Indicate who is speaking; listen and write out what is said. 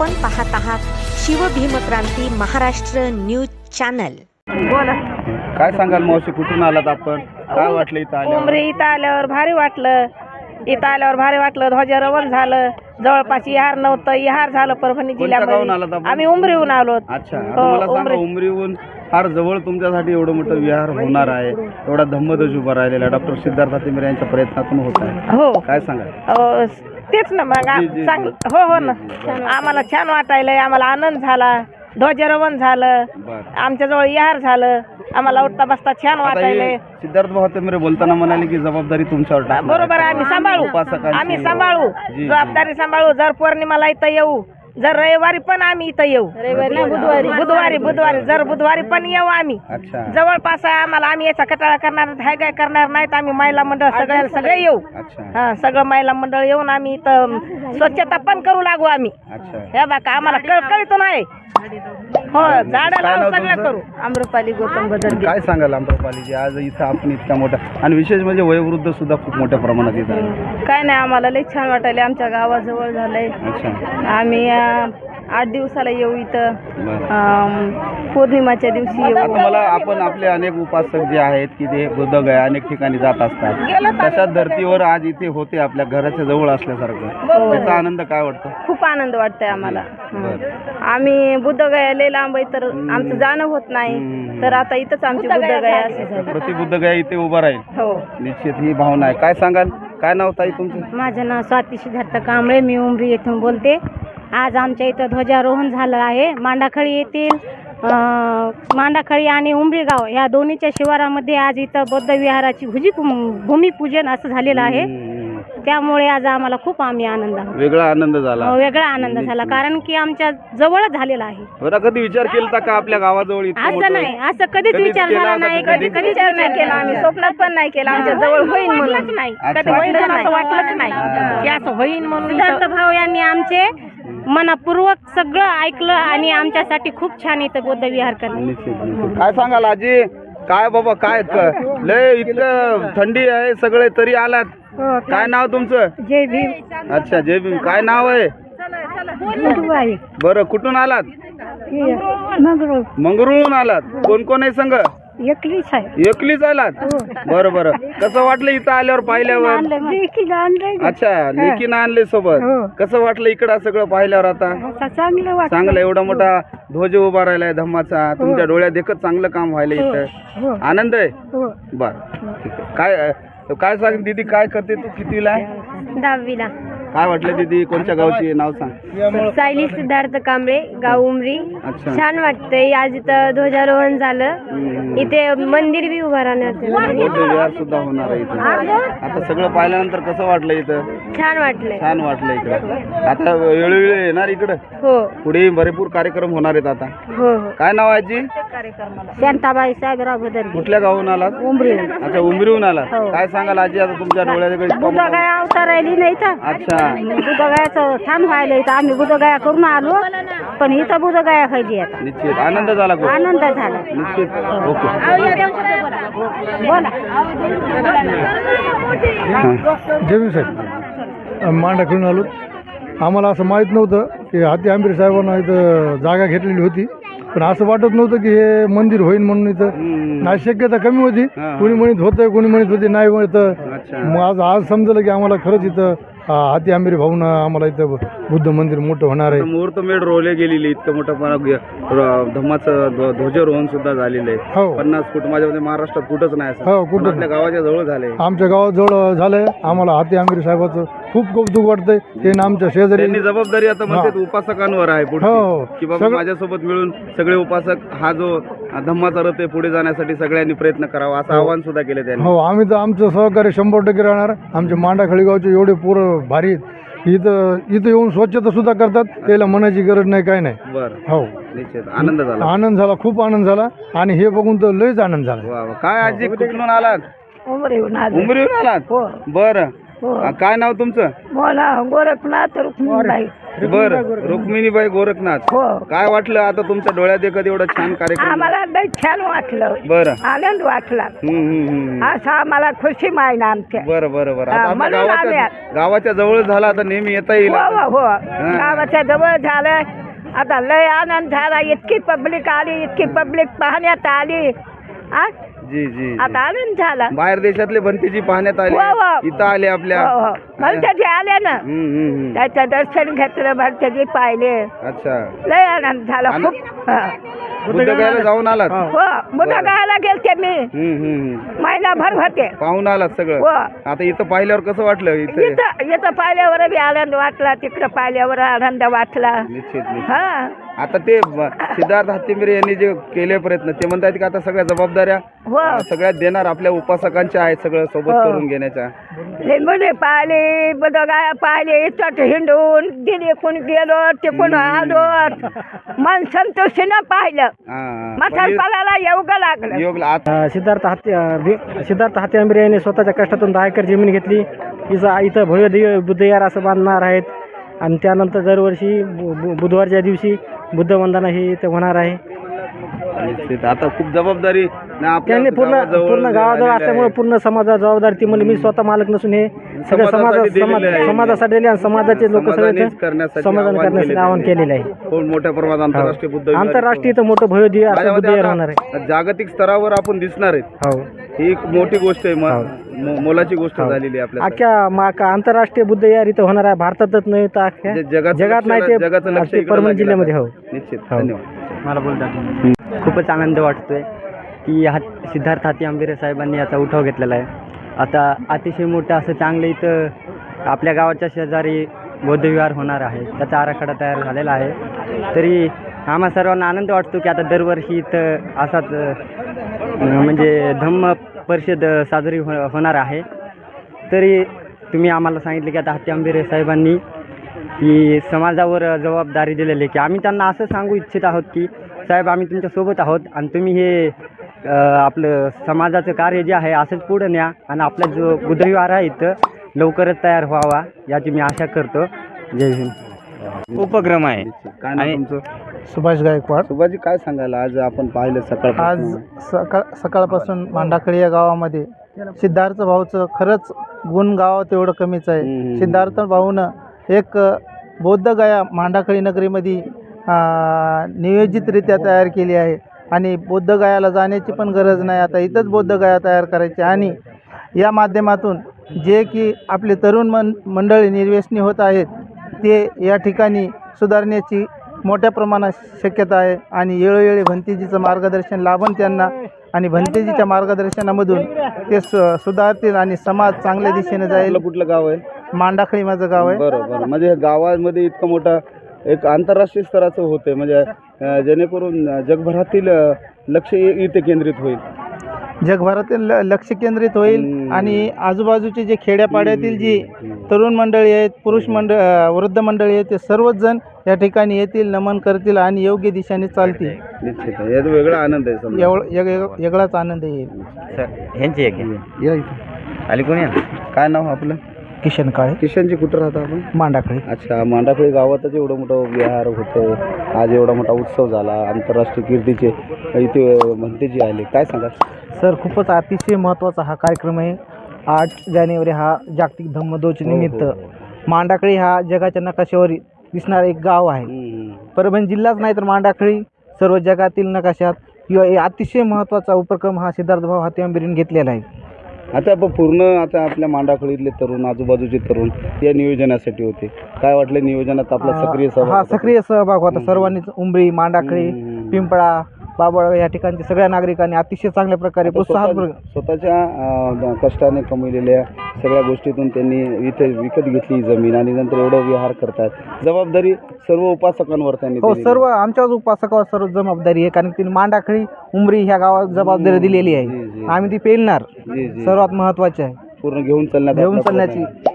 Speaker 1: आपण पाहत आहात शिवभीमक्रांती महाराष्ट्र न्यूज चॅनल।
Speaker 2: बोला,
Speaker 3: काय सांगाल मावशी, कुठून आलात आपण? काय वाटलं इथं आल्यावर?
Speaker 2: उमरी इथं आल्यावर भारी वाटलं. इथं आल्यावर भारी वाटलं. ध्वजारोहण झालं. जवळपास इहार नव्हतं, इहार झालं परभणी
Speaker 3: कोणत्या गावाहून आलात
Speaker 2: जिल्ह्यामध्ये.
Speaker 3: आपण?
Speaker 2: आम्ही उमरीहून आलो.
Speaker 3: अच्छा, आता मला सांगा, उमरीहून फार जवळ तुमच्यासाठी एवढं मोठं विहार होणार आहे, एवढा धम्मध्वज उभा राहिलेला डॉक्टर सिद्धार्थ हातीमिरे यांच्या प्रयत्नातून होत आहे.
Speaker 2: हो,
Speaker 3: काय सांगाल?
Speaker 2: तेच ना मग
Speaker 3: जी.
Speaker 2: चांगलं. हो ना, आम्हाला छान वाटायलंय. आम्हाला आनंद झाला. ध्वजारोहण झालं,
Speaker 3: बरं.
Speaker 2: आमच्याजवळ इहार झालं. आम्हाला उठता बसता छान
Speaker 3: आता
Speaker 2: वाटायलंय.
Speaker 3: हे सिद्धार्थ भाऊ हातीमिरे बोलताना म्हणाले की जबाबदारी तुमच्यावर टाकणार आहे.
Speaker 2: बरोबर आहे, आम्ही सांभाळू.
Speaker 3: उपासकांची.
Speaker 2: आम्ही सांभाळू,
Speaker 3: जी.
Speaker 2: जबाबदारी सांभाळू. जर पौर्णिमाला इथं येऊ, जर रविवारी पण आम्ही इथं येऊ. बुधवारी जर बुधवारी पण येऊ आम्ही.
Speaker 3: अच्छा
Speaker 2: जवळपास आहे आम्हाला. आम्ही याचा कटाळा करणार हाय काय करणार नाहीत. आम्ही महिला मंडळ सगळे येऊ.
Speaker 3: अच्छा
Speaker 2: हा, सगळं महिला मंडळ येऊन आम्ही इथं स्वच्छता पण करू लागू आम्ही.
Speaker 3: अच्छा.
Speaker 2: हे बघा, आम्हाला कळकळीतून आहे. हो, झाडं
Speaker 3: काय नाव
Speaker 2: लावून सगळं
Speaker 3: तुमचं?
Speaker 2: करू. आम्रपाली गौतम बदरगे.
Speaker 3: काय सांगाल आम्रपालीजी, आज इथं आपण इतका मोठा आणि विशेष म्हणजे वयोवृद्ध सुद्धा खूप मोठ्या प्रमाणात येत आहे.
Speaker 2: काय नाही, आम्हाला लई छान वाटायले. आमच्या गावाजवळ झालंय.
Speaker 3: अच्छा,
Speaker 2: आम्ही 8 दिवसाला येऊ इथं.
Speaker 3: बरं.
Speaker 2: पौर्णिमाच्या दिवशी येऊ.
Speaker 3: आता मला आपण आपले अनेक उपासक जे आहेत की ते बुद्धगया अनेक ठिकाणी जात असतात, तशा धर्तीवर आज इथे होते आपल्या घराच्या जवळ असल्यासारखं, त्याचा आनंद काय वाटतो?
Speaker 2: खूप आनंद वाटतंय आम्हाला.
Speaker 3: बरं.
Speaker 2: आम्ही बुद्धगया लय लांब आहे, तर आमचं जाणं होत नाही. तर आता इथंच आमची बुद्धगया अशी झाली.
Speaker 3: प्रति बुद्धगया इथे उभा राहील.
Speaker 2: हो.
Speaker 3: निश्चित ही भावना आहे. काय सांगाल, काय नाव ताई तुमचं?
Speaker 4: माझं नाव स्वाती सिद्धार्थ कांबळे, मी उमरी येथून बोलते. आज आमच्या इथं ध्वजारोहण झालं आहे. मांडाखळी येथील मांडाखळी आणि उमरी गाव या दोन्हीच्या शिवारामध्ये आज इथं बौद्ध विहाराची भूमिपूजन असं झालेलं आहे. त्यामुळे आज आम्हाला खूप आनंद
Speaker 3: वेगळा आनंद झाला.
Speaker 4: वेगळा आनंद झाला, कारण की आमच्या जवळच झालेला आहे.
Speaker 3: बरं, कधी विचार केला का आपल्या गावाजवळ इतकं
Speaker 4: असं
Speaker 3: मोठं?
Speaker 4: नाही, असं कधीच
Speaker 3: कधीच
Speaker 4: विचार
Speaker 3: केला
Speaker 4: झाला
Speaker 3: का
Speaker 4: नाही.
Speaker 3: कधी?
Speaker 4: कधीच विचार नाही केला आम्ही. स्वप्नात पण नाही केला आमच्या जवळ होईल म्हणून.
Speaker 2: नाही,
Speaker 3: अच्छा.
Speaker 2: कधी होईल असं वाटलंच नाही की असं होईल म्हणून.
Speaker 4: सिद्धार्थ भाऊ यांनी आमचे मनपूर्वक सगळं ऐकलं आणि आमच्यासाठी खूप छान इथं बौद्ध विहार करणार.
Speaker 3: निश्चित. काय सांगाल आजी, काय बाबा, काय लय इतकं थंडी आहे सगळे तरी आलात? काय नाव तुमचं?
Speaker 4: जय भीम.
Speaker 3: अच्छा, जय भीम. काय नाव आहे? बरं, कुठून आलात? मंगरुळहून आलात. कोण कोण आहे संघ?
Speaker 4: एकलीच आहे.
Speaker 3: एकलीच आलात? बरं बरं. कसं वाटलं इथं आल्यावर पाहिल्यावर? अच्छा, लेकीनं आणले सोबत. कसं वाटलं इकडं सगळं पाहिल्यावर? आता
Speaker 4: चांगलं
Speaker 3: चांगलं, एवढा मोठा ध्वज उभा राहिलाय धम्माचा, तुमच्या डोळ्यात देखत चांगलं काम व्हायला इथं. आनंद आहे. बरं, ठीक आहे. काय सांग दीदी, काय करते तू? कितवीला आहे?
Speaker 4: 10वीला.
Speaker 3: काय वाटलं दीदी, कोणत्या गावची आहे? नाव सांग.
Speaker 4: सायली सिद्धार्थ कांबळे, गाव उमरी.
Speaker 3: अच्छा.
Speaker 4: छान वाटतंय. आज इथं ध्वजारोहण झालं. इथे मंदिर बी उभा राहण्यात
Speaker 3: बौद्ध विहार सुद्धा होणार आहे इथं. आता सगळं पाहिल्यानंतर कसं वाटलं इथं?
Speaker 4: छान वाटलंय.
Speaker 3: छान वाटलं इकडं. आता वेळोवेळी येणार इकडं?
Speaker 4: हो
Speaker 3: पुढे भरपूर कार्यक्रम होणार आहेत आता.
Speaker 4: हो.
Speaker 3: काय नाव आहे आजी?
Speaker 4: शांताबाई साहेबराव बदर.
Speaker 3: कुठल्या गावून आलात?
Speaker 4: उमरी.
Speaker 3: अच्छा, उमरीहून आलात. काय सांगाल आजी, आता तुमच्या डोळ्याकडे?
Speaker 4: बुधगाया अवतार राहिली नाही तर.
Speaker 3: अच्छा.
Speaker 4: बुधगायाचं छान व्हायला इथं. आम्ही बुधगाया करून आलो, पण इथं बुधगाया खायची आता.
Speaker 3: निश्चित आनंद झाला खूप.
Speaker 4: आनंद झाला.
Speaker 3: निश्चित. ओके.
Speaker 4: बोला.
Speaker 5: जय साहेब, मांडा खेळून आलो. आम्हाला असं माहीत नव्हतं की हाती आंबेरे साहेबांना इथं जागा घेतलेली होती, पण असं वाटत नव्हतं की हे मंदिर होईल म्हणून. इथं नाही, शक्यता कमी होती. कोणी म्हणत होतं, कोणी म्हणत होते नाही म्हणत.
Speaker 3: अच्छा.
Speaker 5: मग आज समजलं की आम्हाला खरंच इथं हाती आंबेरे भाऊनं आम्हाला इथं बुद्ध मंदिर मोठं होणार आहे.
Speaker 3: मुहूर्तमेढ रोवले गेलेली, इतकं मोठं धम्माचं ध्वजारोहण सुद्धा झालेलं आहे.
Speaker 5: हो.
Speaker 3: 50 फूट. माझ्या महाराष्ट्रात कुठंच नाही असं.
Speaker 5: हो, कुठंच
Speaker 3: आपल्या गावाच्या जवळ झालंय.
Speaker 5: आमच्या गावाजवळ झालंय. आम्हाला हाती आंबेरे साहेबाचं खूप कौतुक वाटतंय. ते आमच्या शेजारी.
Speaker 3: त्यांनी जबाबदारी आता म्हणतात उपासकांवर आहे पुढे,
Speaker 5: हो.
Speaker 3: की बाबा माझ्यासोबत मिळून सगळे उपासक हा जो धम्माचा रथ आहे पुढे जाण्यासाठी सगळ्यांनी प्रयत्न करावा असं आवाहन सुद्धा केलं त्यांनी.
Speaker 5: हो, आम्ही तर आमचं सहकार्य 100% राहणार. आमचे मांडाखळी गावचे एवढे पोरं भारी आहेत. इथं येऊन स्वच्छता सुद्धा करतात. त्याला म्हणायची गरज नाही, काय नाही.
Speaker 3: बरं,
Speaker 5: हो,
Speaker 3: निश्चित आनंद झाला.
Speaker 5: आनंद झाला, खूप आनंद झाला. आणि हे बघून तर लयच आनंद झाला.
Speaker 3: वा वा. काय आजी, कुठून आलात?
Speaker 2: उमरीहून
Speaker 3: उमरीहून आलात? बरं. काय नाव तुमचं?
Speaker 2: बोला. गोरखनाथ रुक्मिणीबाई.
Speaker 3: बर रुक्मिणीबाई गोरखनाथ.
Speaker 2: हो.
Speaker 3: काय वाटलं आता तुमच्या डोळ्यात देखत एवढा छान कार्यक्रम?
Speaker 2: आम्हाला लय छान वाटलं,
Speaker 3: बरं.
Speaker 2: आनंद वाटला. असं आम्हाला खुशी माहिती आमच्या.
Speaker 3: बरं बरं बरं. आता
Speaker 2: हा,
Speaker 3: आपल्या
Speaker 2: म्हणून
Speaker 3: गावाच्या
Speaker 2: आम्ही-
Speaker 3: गावाच्या जवळ झाला, आता नेहमी येता येईल.
Speaker 2: हो गावाच्या जवळ झालं. आता लय आनंद झाला. इतकी पब्लिक आली, इतकी पब्लिक पाहण्यात आली. आ?
Speaker 3: जी जी
Speaker 2: आता आनंद झाला.
Speaker 3: बाहेर देशातले भंतेजी पाहण्यात आले,
Speaker 2: हो.
Speaker 3: इथं आले आपल्या.
Speaker 2: भलत्याजी आले ना, त्याचं दर्शन घेतलं, भलत्याजी पाहिले.
Speaker 3: अच्छा.
Speaker 2: लय आनंद झाला खूप. हा.
Speaker 3: बुद्धगयाला जाऊन आलात?
Speaker 2: हो बुधगायला गेलते मी, महिनाभर होते.
Speaker 3: पाहून आलात सगळं?
Speaker 2: हो.
Speaker 3: आता इथं पाहिल्यावर कसं वाटलं?
Speaker 2: इथं पाहिल्यावर बी आनंद वाटला, तिकडं पाहिल्यावर आनंद वाटला.
Speaker 3: निश्चित निश्चित.
Speaker 2: हा
Speaker 3: आता ते सिद्धार्थ हत्तीमिरे यांनी जे केले प्रयत्न, ते म्हणतात की आता सगळ्या जबाबदाऱ्या
Speaker 2: हो.
Speaker 3: सगळ्यात देणार आपल्या उपासकांच्या आहेत, सगळं सोबत
Speaker 2: हो.
Speaker 3: करून घेण्याच्या.
Speaker 2: लिंबुली पाहिली, बुधगाया पाहिली, इथं हिंडून दिली, कोण गेलो तिकून आलो, मन संतोषीनं पाहिलं. म्हातारपणाला योग्य लागलं.
Speaker 3: योग आता
Speaker 4: सिद्धार्थ हाती आंबेरे यांनी स्वतःच्या कष्टातून 10 एकर जमीन घेतली. इथं भव्य दिव्य बुद्धविहार असं बांधणार आहेत आणि त्यानंतर दरवर्षी बुधवारच्या दिवशी बुद्ध वंदना ही इथं होणार आहे.
Speaker 3: निश्चित. आता खूप जबाबदारी
Speaker 4: त्यांनी पूर्ण गावाजवळ असल्यामुळे पूर्ण समाजाची जबाबदारी ती म्हणजे मी स्वतः मालक नसून हे सगळं समाजासाठी दिले आणि समाजाचे लोक सगळे समाधान करण्यासाठी आवाहन केलेलं आहे.
Speaker 3: खूप मोठ्या प्रमाणात आंतरराष्ट्रीय बुद्ध
Speaker 4: आंतरराष्ट्रीय इथं मोठं भव्य दिव्य असं बुद्धविहार होणार आहे.
Speaker 3: जागतिक स्तरावर आपण दिसणार आहेत.
Speaker 4: हो,
Speaker 3: ही एक मोठी गोष्ट आहे, मोलाची गोष्ट झालेली आहे आपल्या.
Speaker 4: अख्ख्या आंतरराष्ट्रीय बुद्धविहार इथं होणार आहे. भारतातच नाही तर अख्ख्या जगात नाही ते
Speaker 3: जगाचं लक्ष इकडं
Speaker 4: परभणी
Speaker 3: लागलं.
Speaker 4: जिल्ह्यामध्ये. हो
Speaker 3: निश्चित. धन्यवाद.
Speaker 6: मला बोलतात खूपच आनंद वाटतोय की सिद्धार्थ हाती आंबेरे साहेबांनी याचा उठाव घेतलेला आहे. आता अतिशय मोठं असं चांगलं इथं आपल्या गावाच्या शेजारी बौद्धविहार होणार आहे, त्याचा आराखडा तयार झालेला आहे. तरी आम्हा सर्वांना आनंद वाटतो की आता दरवर्षी इथं असाच म्हणजे धम्म परिषद साजरी होणार आहे. तरी तुम्ही आम्हाला सांगितले की आता हाती आंबेरे साहेबांनी की समाजावर जबाबदारी दिलेली आहे, की आम्ही त्यांना असं सांगू इच्छित आहोत की साहेब आम्ही तुमच्यासोबत आहोत आणि तुम्ही हे आपलं समाजाचं कार्य जे आहे असंच पुढं न्या आणि आपला जो बुद्धविहार आहे इथं लवकरच तयार व्हावा याची मी आशा करतो. जय हिंद. उपक्रम आहे.
Speaker 3: काय नाव तुमचं?
Speaker 5: सुभाष गायकवाड.
Speaker 3: सुभाजी, काय सांगायला आज आपण पाहिलं
Speaker 5: आज
Speaker 3: सकाळ
Speaker 5: सकाळपासून मांडाखळी या गावामध्ये सिद्धार्थ भाऊचं खरंच गुण गावात एवढं कमीच आहे. सिद्धार्थ भाऊनं एक बौद्धगया मांडाखळी नगरीमध्ये नियोजितरित्या तयार केली आहे आणि बौद्धगयाला जाण्याची पण गरज नाही. आता इथंच बौद्धगया तयार करायची आणि या माध्यमातून जे की आपले तरुण मंडळी निर्व्यसनी होत आहेत ते या ठिकाणी सुधारण्याची मोठ्या प्रमाणात शक्यता आहे आणि वेळोवेळी भंतेजीचं मार्गदर्शन लाभन त्यांना आणि भंतेजीच्या मार्गदर्शनामधून ते सुधारतील आणि समाज चांगल्या दिशेने जाईल.
Speaker 3: कुठलं गाव आहे?
Speaker 5: मांडाखळी माझं गाव आहे.
Speaker 3: बरोबर. म्हणजे गावामध्ये इतकं मोठा एक आंतरराष्ट्रीय स्तराचं होते, म्हणजे जेणेकरून जगभरातील लक्ष इथे केंद्रित होईल.
Speaker 5: जगभरातील लक्ष केंद्रित होईल आणि आजूबाजूचे जे खेड्यापाड्यातील जी तरुण मंडळी आहेत, पुरुष वृद्ध मंडळी आहेत, ते सर्वच जण या ठिकाणी येतील, नमन करतील आणि योग्य दिशेने चालतील.
Speaker 3: निश्चित आहे. याचा वेगळा आनंद आहे समजा.
Speaker 5: वेगळाच आनंद येईल.
Speaker 6: सर ह्यांची एक
Speaker 3: या इथं.
Speaker 6: आली कोणी?
Speaker 3: काय नाव आपलं?
Speaker 5: किशन काळे.
Speaker 3: किशनजी, कुठं राहता आपण?
Speaker 5: मांडाखळी.
Speaker 3: अच्छा. मांडाखळी गावातच एवढं मोठं विहार होतं, आज एवढा मोठा उत्सव झाला, आंतरराष्ट्रीय कीर्तीचे इथे भंतेजी आले, काय सांगा?
Speaker 5: सर खूपच अतिशय महत्त्वाचा हा कार्यक्रम आहे. 8 जानेवारी हा जागतिक धम्मदोच निमित्त मांडाखळी हा जगाच्या नकाशावर दिसणारं एक गाव आहे. परभणी जिल्हाच नाही तर मांडाखळी सर्व जगातील नकाशात किंवा अतिशय महत्त्वाचा उपक्रम हा सिद्धार्थ भाऊ हाती आंबेरेंनी घेतलेला आहे.
Speaker 3: आता पूर्ण आता आपल्या मांडाखळीतले तरुण, आजूबाजूचे तरुण या नियोजनासाठी होते. काय वाटलं नियोजनात आपला सक्रिय सहभाग?
Speaker 5: हा सक्रिय सहभाग होता सर्वांनीच. उंबरी, मांडाखळी, पिंपळा, बाबळ या ठिकाणच्या सगळ्या नागरिकांनी अतिशय चांगल्या प्रकारे प्रोत्साहन
Speaker 3: स्वतःच्या कष्टाने कमविलेल्या सगळ्या गोष्टीतून त्यांनी इथे विकत घेतली जमीन आणि नंतर एवढं विहार करतात. जबाबदारी सर्व उपासकांवर त्यांनी
Speaker 5: हो सर्व आमच्याच उपासकावर सर्व जबाबदारी आहे, कारण तिने मांडाखळी, उंबरी ह्या गावात जबाबदारी दिलेली आहे. आम्ही ती पेलणार सर्वात महत्वाचे आहे.
Speaker 3: पूर्ण घेऊन चालण्याची